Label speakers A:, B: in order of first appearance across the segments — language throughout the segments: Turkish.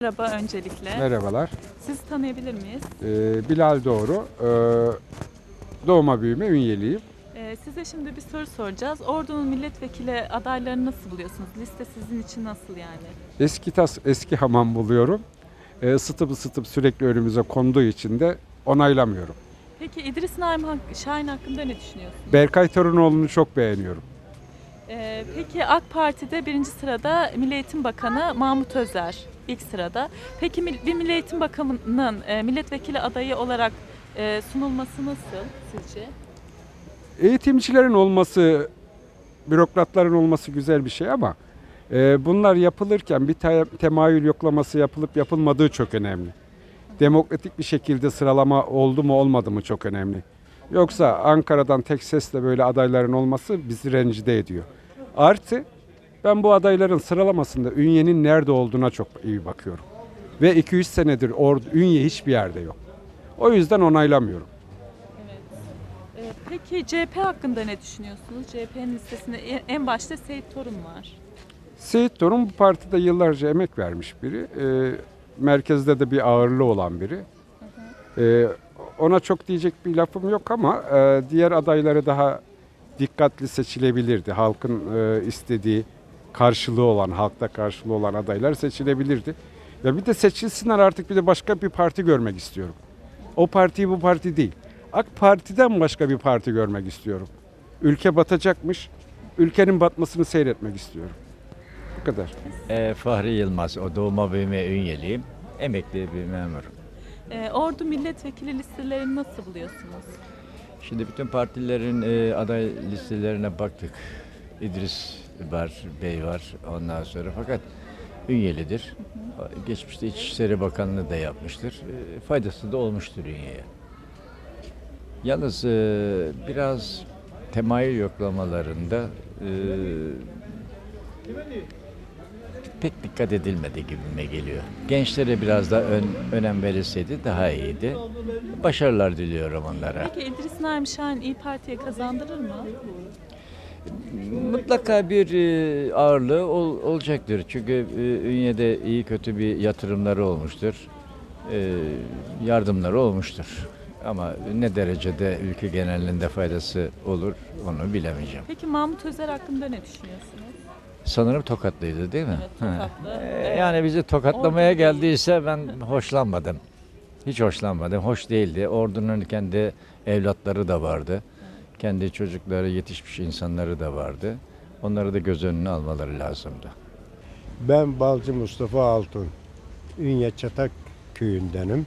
A: Merhaba öncelikle.
B: Merhabalar.
A: Sizi tanıyabilir miyiz?
B: Bilal Doğru. Doğma büyüme Ünyeliyim.
A: Size şimdi bir soru soracağız. Ordu'nun milletvekili adaylarını nasıl buluyorsunuz? Liste sizin için nasıl yani?
B: Eski tas, eski hamam buluyorum. Isıtıp sürekli önümüze konduğu için de onaylamıyorum.
A: Peki İdris Naim Şahin hakkında ne düşünüyorsunuz?
B: Berkay Torunoğlu'nu çok beğeniyorum.
A: Peki AK Parti'de birinci sırada Milli Eğitim Bakanı Mahmut Özer ilk sırada. Peki bir Milli Eğitim Bakanı'nın milletvekili adayı olarak sunulması nasıl sizce?
B: Eğitimcilerin olması, bürokratların olması güzel bir şey ama bunlar yapılırken bir temayül yoklaması yapılıp yapılmadığı çok önemli. Demokratik bir şekilde sıralama oldu mu olmadı mı çok önemli. Yoksa Ankara'dan tek sesle böyle adayların olması bizi rencide ediyor. Artı ben bu adayların sıralamasında Ünye'nin nerede olduğuna çok iyi bakıyorum. Ve 200 senedir Ünye hiçbir yerde yok. O yüzden onaylamıyorum.
A: Peki CHP hakkında ne düşünüyorsunuz? CHP'nin listesinde en başta Seyit Torun var.
B: Seyit Torun bu partide yıllarca emek vermiş biri. Merkezde de bir ağırlığı olan biri. Ona çok diyecek bir lafım yok ama diğer adayları daha dikkatli seçilebilirdi. Halkın istediği karşılığı olan, halkta karşılığı olan adaylar seçilebilirdi. Ya bir de seçilsinler artık, bir de başka bir parti görmek istiyorum. O parti bu parti değil. AK Parti'den başka bir parti görmek istiyorum. Ülke batacakmış. Ülkenin batmasını seyretmek istiyorum. Bu kadar.
C: Fahri Yılmaz, o doğma büyüme Ünyeliyim. Emekli bir memurum.
A: Ordu milletvekili listelerini nasıl buluyorsunuz?
C: Şimdi bütün partilerin aday listelerine baktık. İdris var, Bey var ondan sonra, fakat Ünyelidir. Geçmişte İçişleri Bakanlığı da yapmıştır. Faydası da olmuştur Ünye'ye. Yalnız biraz temayül yoklamalarında pek dikkat edilmedi gibime geliyor. Gençlere biraz da önem verilseydi daha iyiydi. Başarılar diliyorum onlara.
A: Peki İdris Naim Şahin İYİ Parti'ye kazandırır mı?
C: Mutlaka bir ağırlığı olacaktır. Çünkü Ünye'de iyi kötü bir yatırımları olmuştur. Yardımları olmuştur. Ama ne derecede ülke genelinde faydası olur onu bilemeyeceğim.
A: Peki Mahmut Özer hakkında ne düşünüyorsunuz?
C: Sanırım Tokatlıydı değil mi?
A: Evet, Tokatlı.
C: Yani bizi tokatlamaya
A: Ordu
C: geldiyse ben hoşlanmadım. Hiç hoşlanmadım. Hoş değildi. Ordunun kendi evlatları da vardı. Kendi çocukları, yetişmiş insanları da vardı. Onları da göz önüne almaları lazımdı.
D: Ben Balcı Mustafa Altun. Ünye Çatak köyündenim.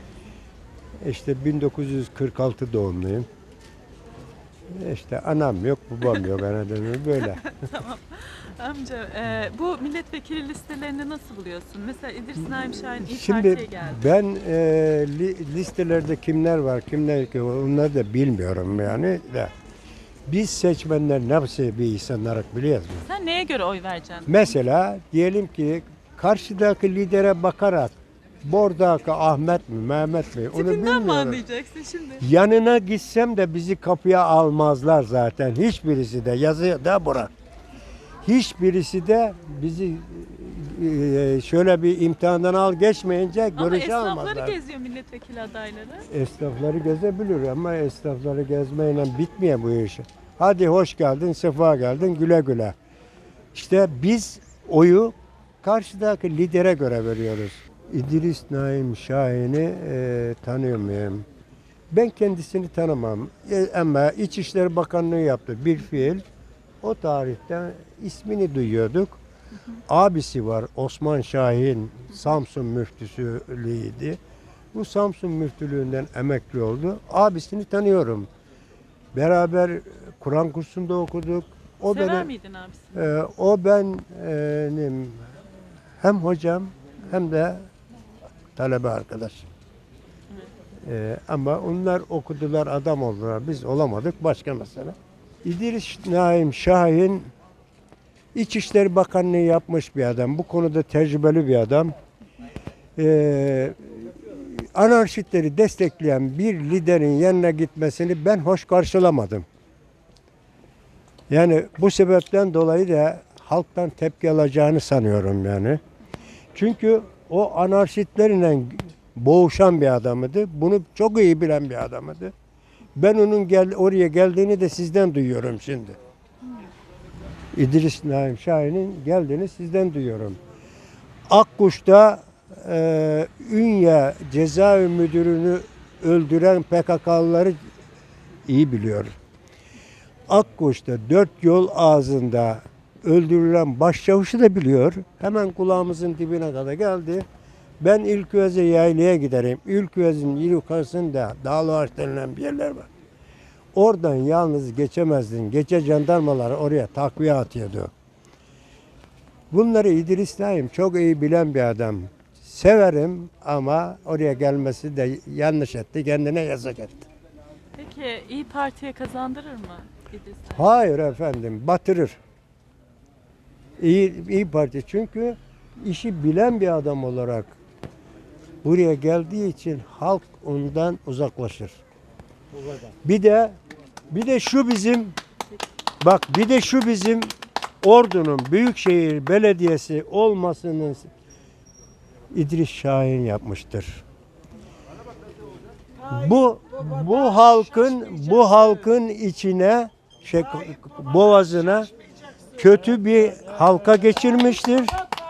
D: İşte 1946 doğumluyum. İşte anam yok, babam yok, anladın böyle.
A: Amca, bu milletvekili listelerini nasıl buluyorsun? Mesela İdris Naim Şahin İYİ
D: Şimdi
A: Parti'ye geldi.
D: ben listelerde kimler var, kimler yok, onları da bilmiyorum yani de. Biz seçmenler nasıl bir insan olarak biliyoruz mu?
A: Sen neye göre oy vereceksin?
D: Mesela diyelim ki karşıdaki lidere bakarak buradaki Ahmet mi, Mehmet mi onu
A: Tipinden mi
D: bilmiyorum.
A: anlayacaksın şimdi?
D: Yanına gitsem de bizi kapıya almazlar zaten. Hiçbirisi de yazıyor da bırak. Hiçbirisi de bizi şöyle bir imtihandan al geçmeyince
A: Ama
D: görüşe
A: esnafları
D: almazlar.
A: geziyor milletvekili adayları.
D: Esnafları gezebilir ama esnafları gezmeyle bitmiyor bu iş. Hadi hoş geldin, sefa geldin, güle güle. İşte biz oyu karşıdaki lidere göre veriyoruz. İdris Naim Şahin'i tanıyor muyum? Ben kendisini tanımam. Ama İçişleri Bakanlığı yaptı bir fiil. O tarihte ismini duyuyorduk. Abisi var Osman Şahin, Samsun müftüsüydü. Bu Samsun müftülüğünden emekli oldu. Abisini tanıyorum. Beraber Kur'an kursunda okuduk. O
A: Sever miydin abisi?
D: o benim hem hocam hem de talebe arkadaş. Ama onlar okudular, adam oldular. Biz olamadık, başka mesele. İdris Naim Şahin İçişleri Bakanlığı yapmış bir adam. Bu konuda tecrübeli bir adam. Anarşistleri destekleyen bir liderin yanına gitmesini ben hoş karşılamadım. Yani bu sebepten dolayı da halktan tepki alacağını sanıyorum yani. Çünkü o anarşistlerle boğuşan bir adamıydı. Bunu çok iyi bilen bir adamıydı. Ben onun oraya geldiğini de sizden duyuyorum şimdi. İdris Naim Şahin'in geldiğini sizden duyuyorum. Akkuş'ta Ünye cezaevi müdürünü öldüren PKK'lıları iyi biliyor. Akkuş'ta 4 yol ağzında öldürülen başçavuşu da biliyor. Hemen kulağımızın dibine kadar geldi. Ben İlküvez'e yaylaya giderim. İlküvez'in yukarısında Dağlı Ağaç denilen bir yerler var. Oradan yalnız geçemezdin. Gece jandarmalar oraya takviye atıyordu. Bunları İdris Naim çok iyi bilen bir adam. Severim ama oraya gelmesi de yanlış etti. Kendine yazık etti.
A: Peki İyi Parti'ye kazandırır mı İdris Naim?
D: Hayır efendim, batırır. İyi Parti çünkü işi bilen bir adam olarak buraya geldiği için halk ondan uzaklaşır. Bir de şu bizim Ordu'nun Büyükşehir Belediyesi olmasının İdris Şahin yapmıştır. Bu halkın içine boğazına kötü bir halka geçirmiştir.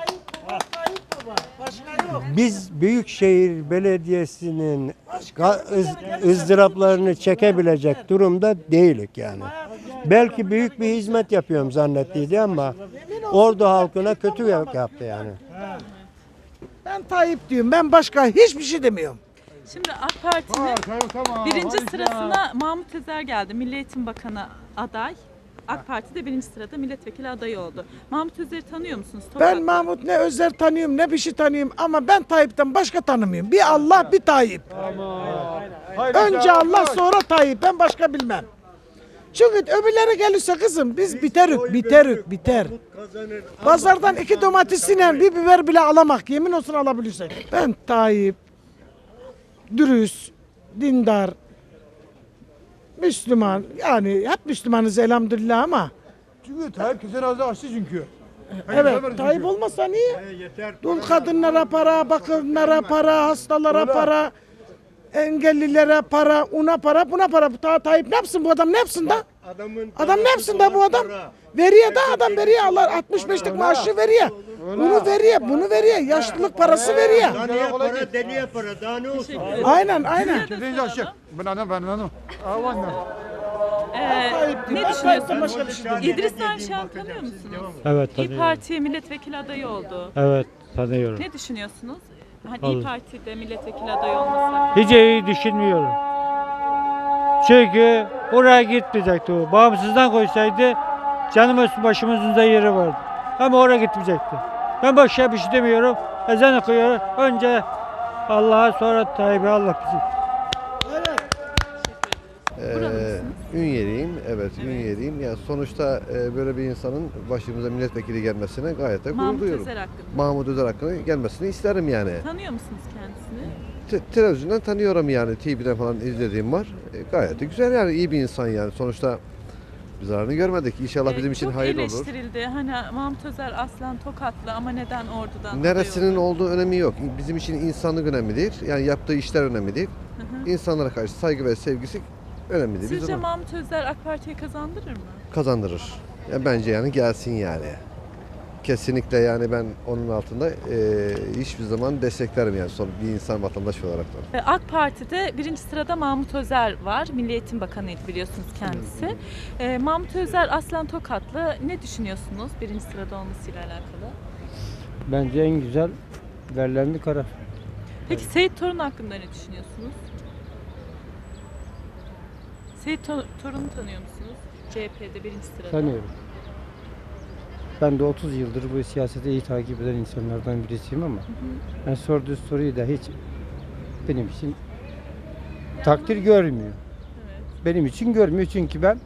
D: Biz Büyükşehir Belediyesi'nin ızdıraplarını çekebilecek durumda değilik yani. Belki büyük bir hizmet yapıyorum zannettiydi ama Ordu halkına kötü yaptı yani.
E: Ben Tayyip diyorum. Ben başka hiçbir şey demiyorum.
A: Şimdi AK Parti'nin birinci sırasına Mahmut Özer geldi. Milli Eğitim Bakanı aday. AK Parti'de birinci sırada milletvekili adayı oldu. Mahmut Özer'i tanıyor musunuz?
E: Ben Mahmut ne Özer tanıyorum ne bir şey tanıyorum ama ben Tayyip'ten başka tanımıyorum. Bir Allah bir Tayyip. Önce Allah sonra Tayyip. Ben başka bilmem. Çünkü öbürleri gelirse kızım biz biter. Pazardan 2 domatesiyle bir biber bile alamak. Yemin olsun alabilirsek. Ben Tayyip, dürüst, dindar, Müslüman. Yani hep Müslümanız elhamdülillah ama.
F: Çünkü Tayyip kesin ağzı açtı çünkü.
E: Evet, Tayyip olmasa niye? Dul kadınlara para, bakımlara para, hastalara para, engellilere para, una para, buna para. Tayyip ne yapsın bu adam ne yapsın da? Adam ne yapsın da bu adam? Veriyor da adam veriyor. Allah 65'lik maaşı veriyor. Bunu veriyor, bunu veriyor. Yaşlılık parası veriyor.
D: Daneye para, deliye para. Daha ne olsun?
E: Aynen.
F: Kesinlikle açık. Ben anam.
A: Ne düşünüyorsunuz? İdris Naim Şahin tanıyor musunuz?
G: Evet
A: İyi
G: tanıyorum.
A: Parti milletvekili adayı oldu.
G: Evet tanıyorum.
A: Ne düşünüyorsunuz? Hani
G: Olur.
A: İyi Parti'de milletvekili adayı olması.
G: Hiç iyi düşünmüyorum. Çünkü oraya gitmeyecekti o. Bağımsızdan koysaydı canımız başımızın da yeri vardı. Ama oraya gitmeyecekti. Ben başka bir şey demiyorum. Ezan okuyorum. Önce Allah'a sonra Tayyip'e Allah bizi.
H: Ünyeliyim, evet Ünyeliyim. Ya sonuçta böyle bir insanın başımıza milletvekili gelmesine gayet de gurur
A: Mahmut
H: duyuyorum.
A: Özer hakkında.
H: Mahmut Özer hakkında gelmesini isterim yani.
A: Tanıyor musunuz kendisini?
H: Televizyondan tanıyorum yani, TV'den falan izlediğim var. Gayet de güzel yani, iyi bir insan yani. Sonuçta bir zararını görmedik. İnşallah bizim için hayırlı olur.
A: Çok eleştirildi. Hani Mahmut Özer aslen Tokatlı ama neden Ordu'dan?
H: Neresinin
A: aday oldu?
H: olduğu önemi yok. Bizim için insanlık önemlidir. Yani yaptığı işler önemlidir. İnsanlara karşı saygı ve sevgisi önemlidir.
A: Sizce
H: Bizim
A: Mahmut Özer AK Parti'yi kazandırır mı?
H: kazandırır. Ya bence yani gelsin yani. Kesinlikle yani ben onun altında hiçbir zaman desteklerim yani son bir insan vatandaş olarak da.
A: AK Parti'de birinci sırada Mahmut Özer var. Milli Eğitim Bakanıydı biliyorsunuz kendisi. Mahmut Özer aslen Tokatlı. Ne düşünüyorsunuz birinci sırada olmasıyla alakalı?
G: Bence en güzel verilen bir karar.
A: Peki Seyit Torun hakkında ne düşünüyorsunuz? Seyit Torun'u tanıyor musunuz? CHP'de birinci sırada.
G: Tanıyorum. Ben de 30 yıldır bu siyaseti iyi takip eden insanlardan birisiyim ama ben sorduğu soruyu da hiç benim için takdir görmüyor. Benim için görmüyor çünkü ben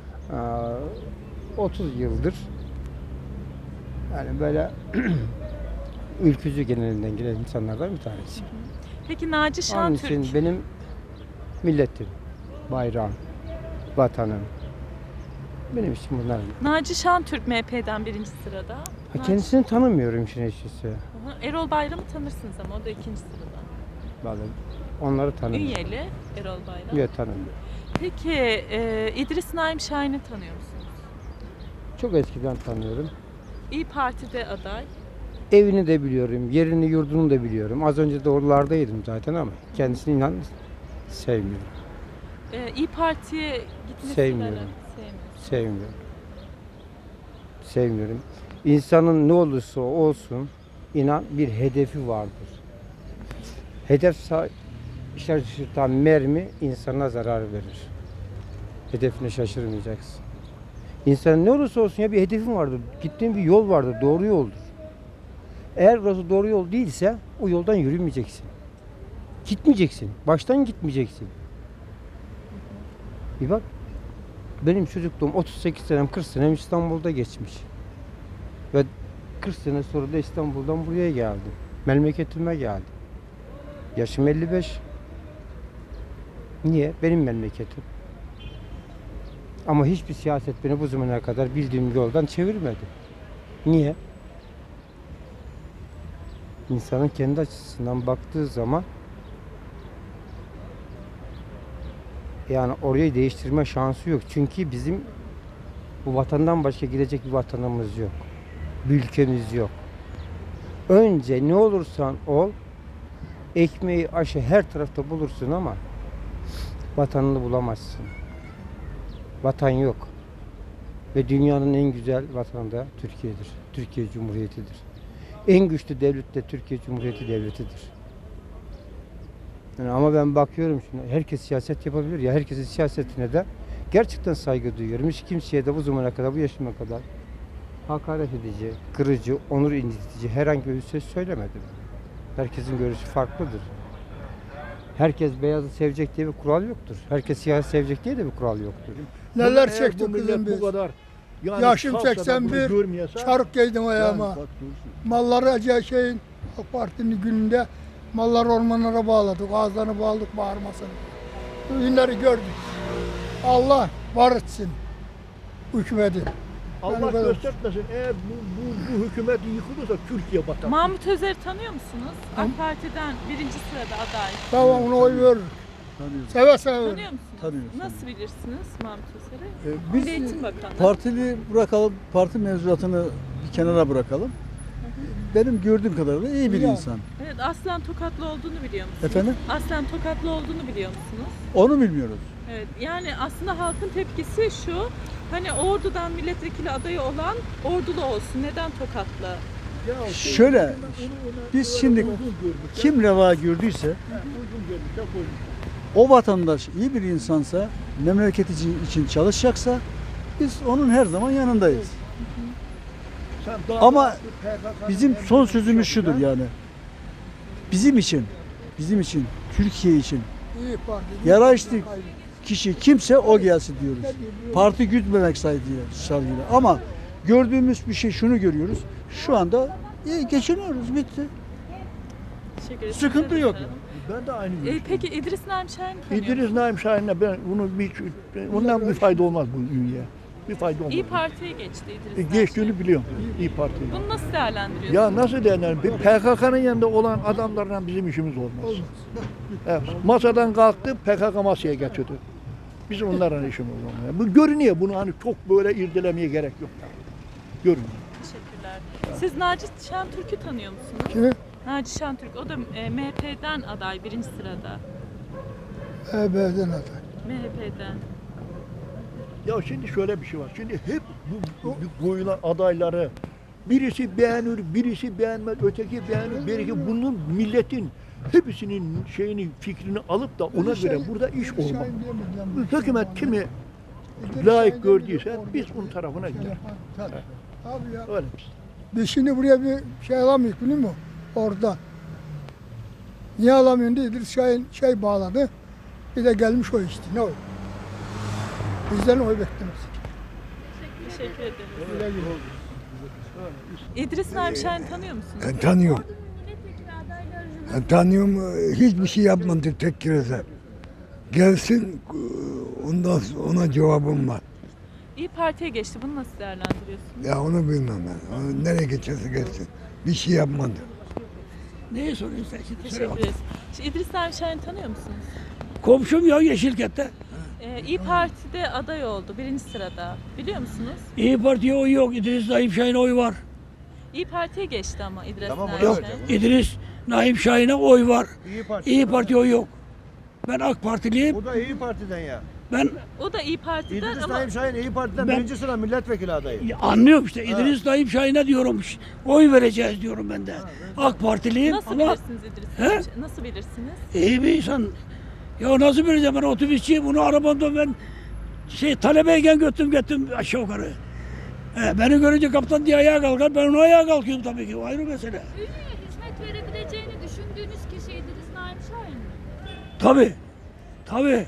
G: 30 yıldır yani böyle ülkücü genelinden gelen insanlardan bir tanesiyim.
A: Peki Naci
G: Onun
A: Şentürk.
G: için benim milletim, bayrağım, vatanım. Benim için bunlar.
A: Naci Şentürk MHP'den birinci sırada.
G: Kendisini tanımıyorum işin açıkçası.
A: Hı hı. Erol Bayram'ı tanırsınız ama o da ikinci sırada.
G: Vallahi onları tanımıyorum.
A: Ünyeli Erol Bayram.
G: Yok, tanımıyorum.
A: Peki İdris Naim Şahin'i tanıyor musunuz?
G: Çok eskiden tanıyorum.
A: İyi Parti'de aday.
G: Evini de biliyorum, yerini yurdunu da biliyorum. Az önce de oralardaydım zaten ama kendisini inan sevmiyorum.
A: İyi Parti'ye gitmesiyle
G: Sevmiyorum.
A: alakalı
G: Sevmiyorum. Sevmiyorum. İnsanın ne olursa olsun inan bir hedefi vardır. Hedef şaşırtan mermi insana zarar verir. Hedefine şaşırmayacaksın. İnsanın ne olursa olsun ya bir hedefin vardır. Gittiğin bir yol vardır. Doğru yoldur. Eğer burası doğru yol değilse o yoldan yürümeyeceksin. Gitmeyeceksin. Baştan gitmeyeceksin. Bir bak. Benim çocukluğum 38 senem 40 senem İstanbul'da geçmiş. Ve 40 sene sonra da İstanbul'dan buraya geldim. Memleketime geldim. Yaşım 55. Niye? Benim memleketim. Ama hiçbir siyaset beni bu zamana kadar bildiğim yoldan çevirmedi. Niye? İnsanın kendi açısından baktığı zaman yani orayı değiştirme şansı yok. Çünkü bizim bu vatandan başka gidecek bir vatanımız yok. Bir ülkemiz yok. Önce ne olursan ol, ekmeği, aşı her tarafta bulursun ama vatanını bulamazsın. Vatan yok. Ve dünyanın en güzel vatanı da Türkiye'dir. Türkiye Cumhuriyeti'dir. En güçlü devlet de Türkiye Cumhuriyeti Devleti'dir. Yani ama ben bakıyorum şimdi herkes siyaset yapabilir ya, herkesin siyasetine de gerçekten saygı duyuyorum. Hiç kimseye de bu zamana kadar, bu yaşıma kadar hakaret edici, kırıcı, onur incitici herhangi bir söz söylemedim. Herkesin görüşü farklıdır. Herkes beyazı sevecek diye bir kural yoktur. Herkes siyahı sevecek diye de bir kural yoktur.
I: Neler
F: Eğer
I: çektik
F: bu millet
I: kızım biz.
F: Bu kadar yani
I: Yaşım
F: kalksa da bunu
I: 81,
F: görmeyese,
I: çarık giydim ayağıma.
F: yani bak dursun.
I: Malları acayip şeyin AK Parti'nin gününde malları ormanlara bağladık. Ağızlarını bağladık bağırmasın. Bu günleri gördük. Allah var etsin hükümeti.
F: Allah göstermesin. Eğer bu hükümet yıkılırsa Türkiye batar.
A: Mahmut Özer'i tanıyor musunuz? AK Parti'den birinci sırada aday.
I: Tamam ona oy veririm. Seve seve veririm.
A: Tanıyor musunuz?
J: Tanıyoruz,
A: Nasıl bilirsiniz Mahmut Özer'i?
J: Biz
A: Milli Eğitim Bakanı.
J: partili bırakalım, parti mevzuatını bir kenara bırakalım. Benim gördüğüm kadarıyla iyi bir
I: Ya.
J: insan.
A: Evet, aslen Tokatlı olduğunu biliyor musunuz?
J: Efendim?
A: Aslen Tokatlı olduğunu biliyor musunuz?
J: Onu bilmiyoruz.
A: Evet, yani aslında halkın tepkisi şu, hani Ordu'dan milletvekili adayı olan Ordulu olsun, neden Tokatlı?
J: Şöyle, biz şimdi kim reva gördüyse, o vatandaş iyi bir insansa, memleketi için çalışacaksa, biz onun her zaman yanındayız. Ama bizim son sözümüz şudur yani. Bizim için, Türkiye için
I: İyi Parti.
J: yaraşlı kişi kimse o gelsin diyoruz. Parti gütmemek şartıyla. Ama gördüğümüz bir şey şunu görüyoruz. Şu anda iyi geçiniyoruz, bitti.
A: Teşekkür ederim.
J: Sıkıntı
A: Size de
J: yok.
A: soralım.
F: Ben de aynı görüşteyim.
A: Peki İdris Naim Şahin tanıyor musunuz?
F: İdris Naim Şahin'le ben ondan bir fayda olmaz bu ülkeye. Bir fayda olmaz.
A: İyi Parti'ye geçti İdris Naim
F: Geçtiğini
A: Şahin.
F: biliyorum. İyi Parti'yle.
A: Bunu nasıl değerlendiriyorsunuz?
F: Ya nasıl denir? PKK'nın yanında olan adamlarla bizim işimiz olmaz. Evet, masadan kalktı, PKK masaya getirdi. Bizim onlarla işimiz olmaz. Bu görünüyor. Bunu hani çok böyle irdelemeye gerek yok. Görünüyor.
A: Teşekkürler. Siz Naci Şentürk'ü tanıyor musunuz?
I: Kimi?
A: Naci Şentürk, o da MHP'den aday birinci sırada.
I: EB'den aday.
A: MHP'den.
F: Ya şimdi şöyle bir şey var. Şimdi hep bu koyulan adayları birisi beğenir, birisi beğenmez, öteki beğenir, birisi bunun milletin hepsinin fikrini alıp da ona göre burada iş olmaz. Bu hükümet kimi layık gördüyse biz onun tarafına gider.
I: Abi ya.
F: Öyle.
I: Biz şimdi buraya bir şey alamıyoruz biliyor musun? Oradan. Niye alamıyorsun diye İdris Şahin bağladı. Bir de gelmiş o işte. Ne o? Bizden oy beklemez.
A: Teşekkür ederim. İdris Naim Şahin tanıyor musunuz?
K: Tanıyorum. Tanıyorum. Hiçbir şey yapmadı tek kereze. Gelsin ondan sonra ona cevabım var.
A: İyi Parti'ye geçti. Bunu nasıl değerlendiriyorsunuz?
K: Ya onu bilmem ben. O nereye geçerse geçsin. Bir şey yapmadı.
J: Neyi soruyorsun sen şimdi?
A: Teşekkür ederiz. Şimdi İdris Naim Şahin'i tanıyor musunuz?
J: Komşum ya Yeşilkent'te.
A: İyi Parti'de aday oldu. 1. sırada. Biliyor musunuz?
J: İyi Parti'ye oy yok. İdris Naim Şahin'e oy var.
A: İyi Parti'ye geçti ama İdris
F: Tamam,
A: Naim
J: Yok.
A: Şahin.
J: İdris Naim Şahin'e oy var.
F: İyi Parti.
J: İyi Parti oy yok. Ben AK Partiliyim.
F: O da İyi Parti'den ya.
J: Ben
A: O da İyi Parti'den
F: İdris
A: ama
F: Naim Şahin İyi Parti'den
J: Ben-
F: birinci sıra milletvekili adayı.
J: anlıyorum işte. İdris Naim Şahin'e diyorum. Oy vereceğiz diyorum ben de. AK Partiliyim
A: nasıl
J: ama
A: bilirsiniz İdris
J: He?
A: Naim Şahin? Nasıl bilirsiniz?
J: iyi bir insan. Ya nasıl bileceğim, ben otobüsçüyüm. Bunu arabamda ben talebeyken götürdüm aşağı yukarı. Beni görünce kaptan diye ayağa kalkar. Ben ona ayağa kalkıyorum tabii ki. O ayrı mesele.
L: Ünlüye hizmet verebileceğini düşündüğünüz kişi İdris Naim Şahin mi?
J: Tabii. Tabii.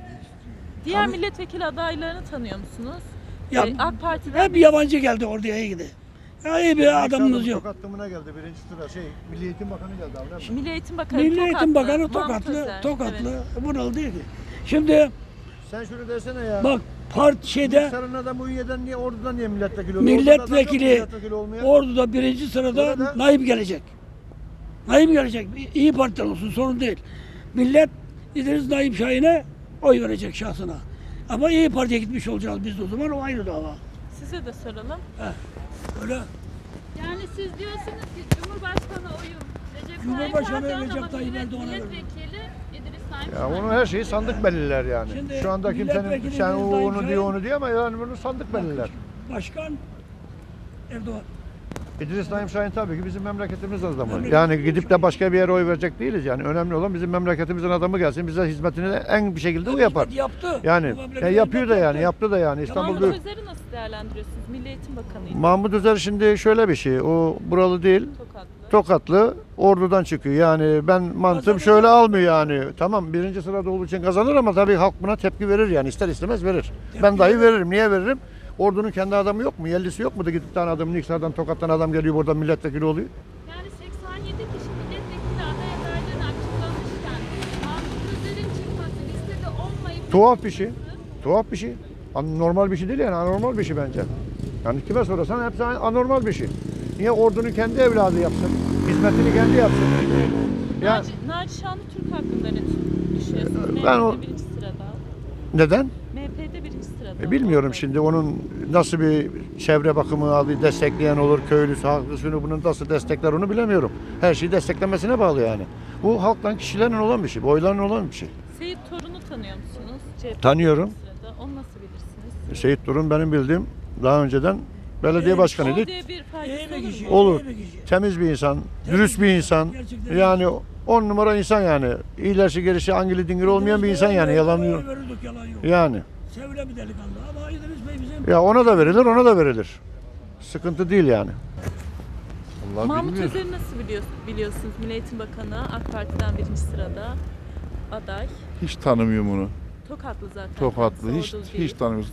A: Diğer milletvekili adaylarını tanıyor musunuz?
J: Ya,
A: AK Parti'den
J: hep yabancı geldi oraya gidi. Ya iyi bir adamımız yok.
F: Tokatlımına geldi birinci sıra Milli Eğitim Bakanı geldi abi. değil mi?
A: Milli Eğitim Bakanı
J: Milli Eğitim Bakanı
A: Mahmut
J: Tokatlı.
A: Özer.
J: Tokatlı.
A: Evet.
J: Buralı değil ki. Şimdi
F: Sen şunu desene ya.
J: bak şeyde
F: Sarın adam Uyye'den niye Ordu'dan niye milletvekili oluyor?
J: milletvekili
F: olmuyor.
J: Ordu'da 1. sırada
F: Orada-
J: Naim gelecek. Naim gelecek. İyi Parti'den olsun, sorun değil. Millet İdris Naim Şahin'e oy verecek şahsına. Ama İyi Parti'ye gitmiş olacağız biz de o zaman, o ayrı dava.
A: Size de soralım.
J: Öyle.
L: Yani siz diyorsunuz ki Cumhurbaşkanı oyum Recep
J: Cumhurbaşkanı
L: Tayyip Erdoğan
J: Recep
L: ama
J: Tayyip Erdoğan'a
L: milletvekili İdris Naim
F: Ya
L: Şahin.
F: onu her şeyi sandık belirler yani.
J: Şimdi
F: Şu anda kimsenin
J: milletvekili
F: sen
J: İdris
F: o
J: Naim
F: onu
J: Şahin-
F: diyor onu diyor ama yani bunu sandık belirler.
J: Başkan Erdoğan.
F: İdris Naim Şahin tabii ki bizim memleketimiz adamı. Yani gidip de başka bir yere oy verecek değiliz yani. Önemli olan bizim memleketimizin adamı gelsin. Bize hizmetini de en bir şekilde o yapar.
J: Yaptı.
F: Yani
J: Bu memlekete
F: yapıyor da
J: hizmet
F: yani
J: yaptı.
F: yaptı da yani İstanbul
A: Mahmut
F: Büyük.
A: Özer'i nasıl değerlendiriyorsunuz? Milli Eğitim Bakanı'ydı.
F: Mahmut Özer şimdi şöyle bir şey. O buralı değil.
A: Tokatlı.
F: Tokatlı Ordu'dan çıkıyor. Yani ben mantığım şöyle almıyor yani. Tamam birinci sırada olduğu için kazanır ama tabii halk buna tepki verir yani. İster istemez verir. Ben dahi veririm. Niye veririm? Ordu'nun kendi adamı yok mu? Yerlisi yok mu da gidip tane adamın Niksar'dan Tokat'tan adam geliyor burada milletvekili oluyor.
L: Yani 87 kişi milletvekili aday adaylarını açıklamışken Mahmut Özer'in çıkması listede olmayıp
F: Tuhaf bir şey. Tuhaf bir şey. Normal bir şey değil yani. Anormal bir şey bence. Yani kime sorarsan hepsi anormal bir şey. Niye Ordu'nun kendi evladı yapsın? Hizmetini kendi yapsın. Ya
A: Naci Şanlı Türk hakkında ne düşünüyorsunuz?
F: Ben o-
A: MHP'de 1. sırada.
F: neden?
A: MHP'de 1. sırada.
F: Bilmiyorum şimdi onun nasıl bir çevre bakımı abi destekleyen olur, köylüsü, halkı, bunun nasıl destekler onu bilemiyorum. Her şeyi desteklemesine bağlı yani. Bu halktan kişilerin olan bir şey, boyların olan bir şey.
A: Seyit Torun'u tanıyor musunuz? CHP
F: Tanıyorum.
A: sırada. Onu nasıl bilirsiniz?
F: Seyit Durun benim bildiğim daha önceden belediye başkanıydı.
A: O diye bir faydası
J: İyi bir
A: olur mu?
J: kişi.
F: Olur.
J: iyi bir kişi.
F: Temiz bir insan, dürüst bir insan.
J: Gerçekten
F: Yani 10 numara insan yani. İyilerse gerisi angili dingil olmayan bir insan yani. Yalan yok.
J: Oy verirdik, yalan yok.
F: Yani.
J: Sevilen bir delikanlı ama İdris Bey bizim
F: Ya ona da verilir, ona da verilir. Sıkıntı değil yani.
A: Mahmut Özer'i nasıl biliyorsunuz? Milli Eğitim Bakanı AK Parti'den 1. sırada aday.
M: Hiç tanımıyorum onu.
A: Tokatlı zaten.
M: Tokatlı.
A: kendisi,
M: Hiç
A: Ordulu değil.
M: hiç tanımıyoruz.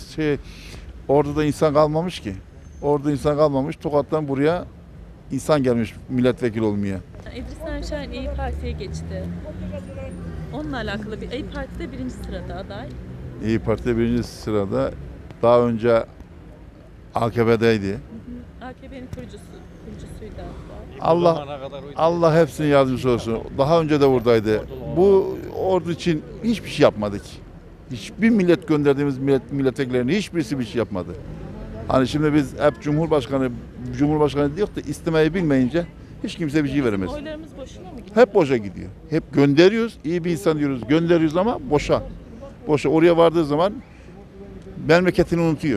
M: Orada insan kalmamış ki. Orada insan kalmamış. Tokat'tan buraya insan gelmiş milletvekili olmaya.
A: İdris Naim Şahin İyi Parti'ye geçti. Onunla alakalı İyi Parti'de 1. sırada aday.
M: İyi Parti birinci sırada. Daha önce AKP'deydi.
A: AKP'nin kurucusuydu hatta.
M: Allah hepsinin yardımcısı olsun. Daha önce de buradaydı. Bu ordu için hiçbir şey yapmadık. Hiçbir millet gönderdiğimiz milletvekillerinin hiçbirisi bir şey yapmadı. Hani şimdi biz hep Cumhurbaşkanı diyor da istemeyi bilmeyince hiç kimse bir şey veremez.
A: Oylarımız boşuna mı gidiyor?
M: Hep boşa gidiyor. Hep gönderiyoruz. İyi bir insan diyoruz. Gönderiyoruz ama boşa. Boşa. Oraya vardığı zaman memleketini unutuyor.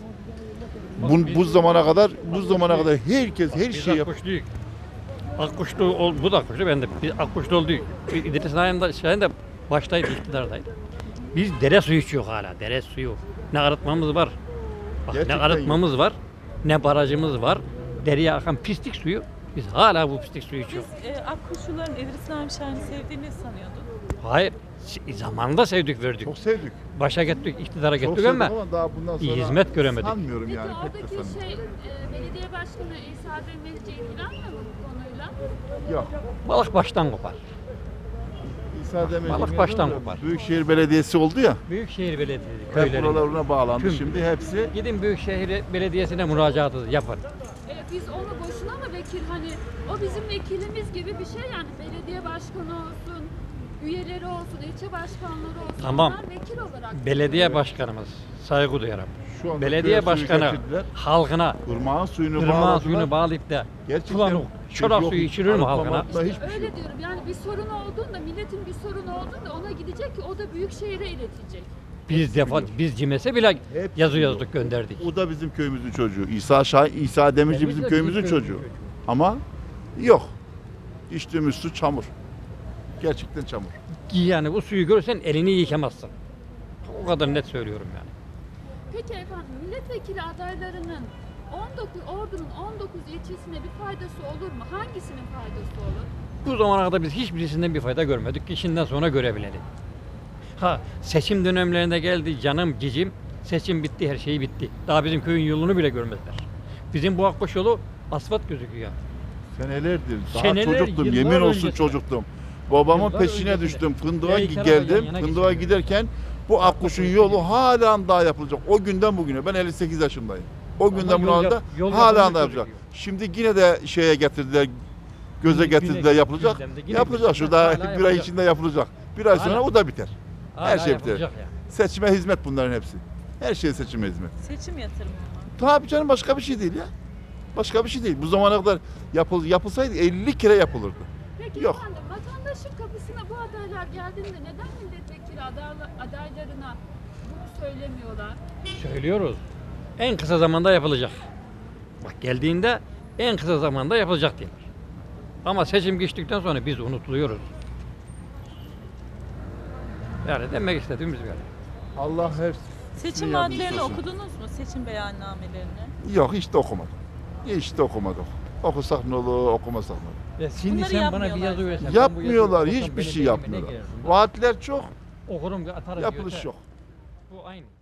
M: Bu zamana kadar herkes her şeyi yapıyor.
N: Akkuşluyuz. Akkuşlu, bu da Akkuşlu, ben de. Biz Akkuşlu olduk. İdris Naim Şahin de baştaydı, iktidardaydı. Biz dere suyu içiyor hala, dere suyu. Ne arıtmamız var, bak, ne
M: Gerçekten
N: arıtmamız var, ne barajımız var. Dereye akan pislik suyu, biz hala bu pislik suyu içiyoruz.
A: Biz Akkuşluların İdris Naim Şahin'i sevdiğini sanıyorduk.
N: Hayır, zamanında sevdik verdik.
M: Çok sevdik.
N: Başa gittik, iktidara
M: Çok
N: gittik
M: sevdik
N: ama
M: daha bundan sonra
N: hizmet göremedik.
M: sanmıyorum
L: Peki
M: yani. Pek de
L: oradaki
M: sanmıyorum.
L: belediye başkanı İsa Demirci ilgilenmiyor mu bu konuyla?
M: Yok.
N: Balık baştan kopar.
M: İsa Demirci
N: Balık baştan kopar.
M: Büyükşehir Belediyesi oldu ya.
N: Büyükşehir Belediyesi
M: Hep
N: köylerinde.
M: buralarına bağlandı.
N: Tüm.
M: Şimdi hepsi
N: Gidin Büyükşehir Belediyesi'ne müracaat yapın.
L: Biz onu boşuna mı vekil hani o bizim vekilimiz gibi bir şey yani belediye başkanı olsun, üyeleri olsun, ilçe başkanları olsun.
N: Tamam.
L: Onlar vekil olarak.
N: Belediye başkanımız saygı duyarım.
M: şu anda
N: Belediye
M: köye suyu
N: başkanı
M: getirdiler.
N: halkına
M: Irmağın suyunu
N: ırmağa
M: bağladılar.
N: suyunu bağlayıp da
M: Gerçekten
N: sulanı çorak
M: yok,
N: suyu içirir mi halkına?
M: arıtmamakla hiçbir şey
L: Öyle
M: yok.
L: diyorum yani bir sorun olduğunda milletin bir sorunu olduğunda ona gidecek ki o da büyük şehire iletecek.
N: Biz CİMES'e bile
M: Hepsi
N: yazı
M: biliyor.
N: yazdık gönderdik.
M: O da bizim köyümüzün çocuğu. İsa Demirci bizim köyümüzün çocuğu. Ama yok. İçtiğimiz su çamur. Gerçekten çamur.
N: Yani bu suyu görürsen elini yıkamazsın. O kadar net söylüyorum yani.
L: Peki efendim milletvekili adaylarının Ordu'nun 19 ilçesine bir faydası olur mu? Hangisinin faydası olur?
N: Bu zamana kadar biz hiçbirisinden bir fayda görmedik ki şimdiden sonra görebilelim. Ha seçim dönemlerinde geldi canım cicim, seçim bitti her şey bitti. Daha bizim köyün yolunu bile görmediler. Bizim bu Akbaş yolu asfalt gözüküyor.
M: Senelerdir. Daha
N: Seneler,
M: çocuktum.
N: yıllar
M: Yemin olsun
N: öncesinde.
M: çocuktum. Babamın
N: Yıllar
M: peşine
N: öncesinde.
M: düştüm. Fındığa
N: İki araba yan
M: geldim.
N: yana
M: Fındığa
N: geçiyor.
M: giderken bu Akkuş'un yolu hala daha yapılacak. O günden bugüne. Ben 58 yaşındayım. O günden
N: yol
M: bugüne
N: yap- yol
M: hala
N: yapılmış
M: da yapacak.
N: gözüküyor.
M: Şimdi yine de şeye getirdiler. Göze getirdiler yapılacak.
N: gündemde, yine
M: Yapılacak.
N: gündemde.
M: Şurada
N: Hala
M: bir ay
N: yapılacak.
M: içinde yapılacak. Bir ay sonra
N: Hala.
M: o da biter.
N: Hala
M: Her şey biter.
N: yapılacak yani.
M: Seçime hizmet bunların hepsi. Her şey seçime hizmet.
A: Seçim yatırımı mı?
M: Tabii canım başka bir şey değil ya. Başka bir şey değil. Bu zamana kadar yapılsaydı 50 kere yapılırdı.
L: Peki
M: Yok.
L: efendim vatandaşın kapısına bu adaylar geldiğinde neden milletvekili adaylarına bunu söylemiyorlar?
N: Söylüyoruz. En kısa zamanda yapılacak. Bak geldiğinde en kısa zamanda yapılacak diyorlar. Ama seçim geçtikten sonra biz unutuluyoruz. Yani demek istediğimiz böyle.
M: Allah her
A: Seçim
M: yardımcısı
A: vaatlerini
M: olsun.
A: okudunuz mu? Seçim beyannamelerini?
M: Yok hiç de okumadım. Hiç de okumadım. Okusak ne olur, okumasak ne olur.
N: Şimdi
A: Bunları
N: sen bana bir
A: yapmıyorlar.
N: yazı versen. ben bu
M: Yapmıyorlar,
N: yazıyı okusam
M: hiçbir şey
N: benim elime ne
M: yapmıyorlar.
N: gelir?
M: Vaatler çok,
N: Okurum atarım.
M: yapılış
N: diyorsa,
M: yok.
N: Bu aynı.